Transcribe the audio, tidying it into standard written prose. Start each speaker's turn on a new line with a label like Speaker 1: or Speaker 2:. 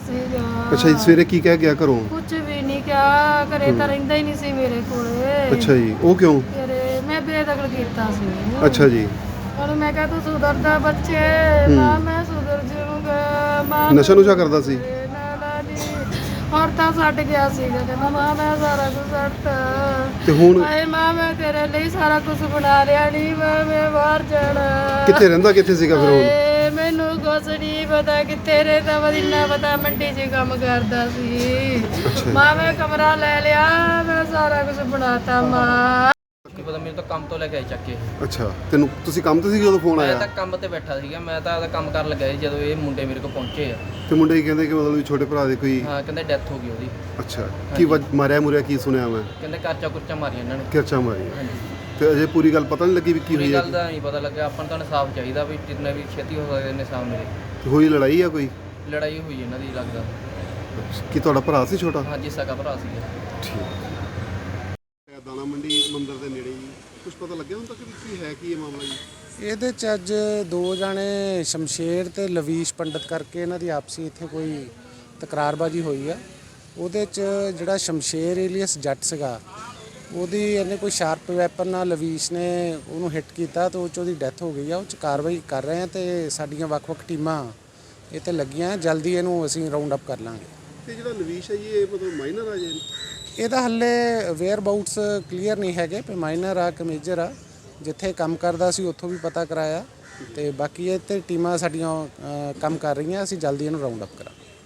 Speaker 1: ਸੀਗਾ।
Speaker 2: ਅੱਛਾ ਜੀ, ਸਵੇਰੇ ਕੀ ਕਹਿ ਗਿਆ ਘਰੋਂ?
Speaker 1: ਕੁਝ ਵੀ ਨਹੀਂ ਕਿਹਾ, ਘਰੇ ਤਾਂ ਰਹਿੰਦਾ ਹੀ ਨਹੀਂ ਸੀ ਮੇਰੇ ਕੋਲੇ।
Speaker 2: ਅੱਛਾ ਜੀ, ਉਹ ਕਿਉਂ?
Speaker 1: ਘਰੇ ਮੈਂ ਬੇਦਖਲ ਕੀਤਾ ਸੀ।
Speaker 2: ਅੱਛਾ ਜੀ।
Speaker 1: ਉਹਨੂੰ ਮੈਂ ਕਿਹਾ ਤੂੰ ਸੁਧਰਦਾ ਬੱਚੇ, ਮਾਂ ਮੈਂ ਸੁਧਰ ਜਾਊਂਗਾ। ਮਾਂ
Speaker 2: ਨਸ਼ਾ ਨੁਸ਼ਾ ਕਰਦਾ ਸੀ?
Speaker 1: ਨਾ ਜੀ, ਹੋਰ ਤਾਂ ਛੱਡ ਗਿਆ ਸੀਗਾ, ਕਹਿੰਦਾ ਮਾਂ ਮੈਂ ਸਾਰਾ ਕੁਝ ਛੱਡਤਾ।
Speaker 2: ਤੇ ਹੁਣ
Speaker 1: ਹਾਏ ਮਾਂ ਮੈਂ ਤੇਰੇ ਲਈ ਸਾਰਾ ਕੁਝ ਬਣਾ ਲਿਆ, ਨਹੀਂ ਮਾਂ ਮੈਂ ਬਾਹਰ ਜਾਣਾ।
Speaker 2: ਕਿੱਥੇ ਰਹਿੰਦਾ, ਕਿੱਥੇ ਸੀਗਾ ਫਿਰ ਹੁਣ?
Speaker 1: ਹਾਏ ਮੈਨੂੰ ਕੁਛ ਨਹੀਂ ਪਤਾ ਕਿੱਥੇ ਰਹਿੰਦਾ ਵਾ, ਇੰਨਾ ਪਤਾ ਮੰਡੀ 'ਚ ਕੰਮ ਕਰਦਾ ਸੀ।
Speaker 2: ਅੱਛਾ
Speaker 1: ਮਾਂ ਮੈਂ ਕਮਰਾ ਲੈ ਲਿਆ, ਮੈਂ ਸਾਰਾ ਕੁਝ ਬਣਾਤਾ ਮਾਂ।
Speaker 3: ਨਹੀਂ ਪਤਾ, ਮੈਨੂੰ ਤਾਂ ਕੰਮ ਤੋਂ ਲੈ ਕੇ ਆਏ ਚੱਕ ਕੇ।
Speaker 2: ਅੱਛਾ, ਤੈਨੂੰ ਤੁਸੀਂ ਕੰਮ ਤੇ ਸੀ ਜਦੋਂ ਫੋਨ
Speaker 3: ਮੈਂ
Speaker 2: ਆਇਆ?
Speaker 3: ਤਾਂ ਕੰਮ ਤੇ ਬੈਠਾ ਸੀਗਾ, ਮੈਂ ਤਾਂ ਆਪਦਾ ਕੰਮ ਕਰਨ ਲੱਗਾ ਸੀ ਜਦੋਂ ਇਹ ਮੁੰਡੇ ਮੇਰੇ ਕੋਲ ਪਹੁੰਚੇ ਆ।
Speaker 2: ਤੇ ਮੁੰਡੇ ਕੀ ਕਹਿੰਦੇ ਕਿ ਮਤਲਬ ਵੀ ਛੋਟੇ ਭਰਾ ਦੇ ਕੋਈ?
Speaker 3: ਹਾਂ, ਕਹਿੰਦੇ ਡੈਥ ਹੋ ਗਈ ਉਹਦੀ।
Speaker 2: ਅੱਛਾ, ਕੀ ਮਾਰਿਆ ਮੁਰਿਆ ਕੀ ਸੁਣਿਆ ਮੈਂ?
Speaker 3: ਕਹਿੰਦੇ ਕਰਚਾ ਕੁਰਚਾ ਮਾਰੀਆਂ ਇਹਨਾਂ ਨੇ।
Speaker 2: ਕਿਰਚਾ ਮਾਰੀ?
Speaker 3: ਹਾਂਜੀ,
Speaker 2: ਤੇ ਅਜੇ ਪੂਰੀ ਗੱਲ ਪਤਾ ਨਹੀਂ ਲੱਗੀ ਵੀ ਕੀ
Speaker 3: ਪੂਰੀ
Speaker 2: ਹੋਈ
Speaker 3: ਗੱਲ
Speaker 2: ਹੈ?
Speaker 3: ਦਾ ਨਹੀਂ ਪਤਾ ਲੱਗਾ। ਆਪਾਂ ਨੂੰ ਤਾਂ ਇਨਸਾਫ ਚਾਹੀਦਾ ਵੀ ਜਿੰਨਾ ਵੀ ਛੇਤੀ ਹੋ ਸਕਦਾ ਇਨਸਾਫ ਮਿਲੇ।
Speaker 2: ਤੇ ਹੋਈ ਲੜਾਈ ਆ ਕੋਈ?
Speaker 3: ਲੜਾਈ ਹੋਈ ਇਹਨਾਂ ਦੀ ਲੱਗਦਾ।
Speaker 2: ਕੀ ਤੁਹਾਡਾ ਭਰਾ ਸੀ ਛੋਟਾ?
Speaker 3: ਹਾਂਜੀ, ਸਕਾ ਭਰਾ ਸੀਗਾ।
Speaker 2: ਠੀਕ। ਦਾਣਾ ਮੰਡੀ ਮੰਦਿਰ ਦੇ ਨੇੜੇ ਜੀ ਕੁਝ ਪਤਾ ਲੱਗਿਆ ਹੁਣ ਤੱਕ ਵੀ ਕੀ ਹੈ, ਕੀ ਇਹ ਮਾਮਲਾ ਜੀ?
Speaker 4: ਇਹਦੇ 'ਚ ਅੱਜ ਦੋ ਜਾਣੇ ਸ਼ਮਸ਼ੇਰ ਤੇ ਲਵੀਸ਼ ਪੰਡਤ ਕਰਕੇ ਇਹਨਾਂ ਦੀ ਆਪਸੀ ਇੱਥੇ ਕੋਈ ਤਕਰਾਰਬਾਜੀ ਹੋਈ ਆ। ਉਹਦੇ 'ਚ ਜਿਹੜਾ ਸ਼ਮਸ਼ੇਰ ਏਲੀਅਸ ਜੱਟ ਸੀਗਾ, ਉਹਦੀ ਇਹਨੇ ਕੋਈ ਸ਼ਾਰਪ ਵੈਪਨ ਨਾਲ ਲਵੀਸ਼ ਨੇ ਉਹਨੂੰ ਹਿੱਟ ਕੀਤਾ ਤੇ ਉਹ 'ਚ ਉਹਦੀ ਡੈਥ ਹੋ ਗਈ ਆ। ਉਹ 'ਚ ਕਾਰਵਾਈ ਕਰ ਰਹੇ ਆ ਤੇ ਸਾਡੀਆਂ ਵੱਖ-ਵੱਖ ਟੀਮਾਂ ਇਹ 'ਤੇ ਲੱਗੀਆਂ। ਜਲਦੀ ਇਹਨੂੰ ਅਸੀਂ ਰਾਉਂਡ ਅਪ ਕਰ ਲਾਂਗੇ।
Speaker 2: ਤੇ ਜਿਹੜਾ ਲਵੀਸ਼ ਹੈ ਜੀ, ਇਹ ਮਤਲਬ ਮਾਈਨਰ ਆ ਜੀ?
Speaker 4: ਇਹਦਾ ਹੱਲੇ ਵੇਅਰ ਬਾਊਟਸ ਕਲੀਅਰ ਨਹੀਂ ਹੈਗੇ ਵੀ ਮਾਈਨਰ ਆ ਕਿ ਮੇਜਰ ਆ। ਜਿੱਥੇ ਕੰਮ ਕਰਦਾ ਸੀ ਉੱਥੋਂ ਵੀ ਪਤਾ ਕਰਾਇਆ ਤੇ ਬਾਕੀ ਇਹ 'ਤੇ ਟੀਮਾਂ ਸਾਡੀਆਂ ਕੰਮ ਕਰ ਰਹੀਆਂ। ਅਸੀਂ ਜਲਦੀ ਇਹਨੂੰ ਰਾਉਂਡ ਅਪ ਕਰਾਂਗੇ।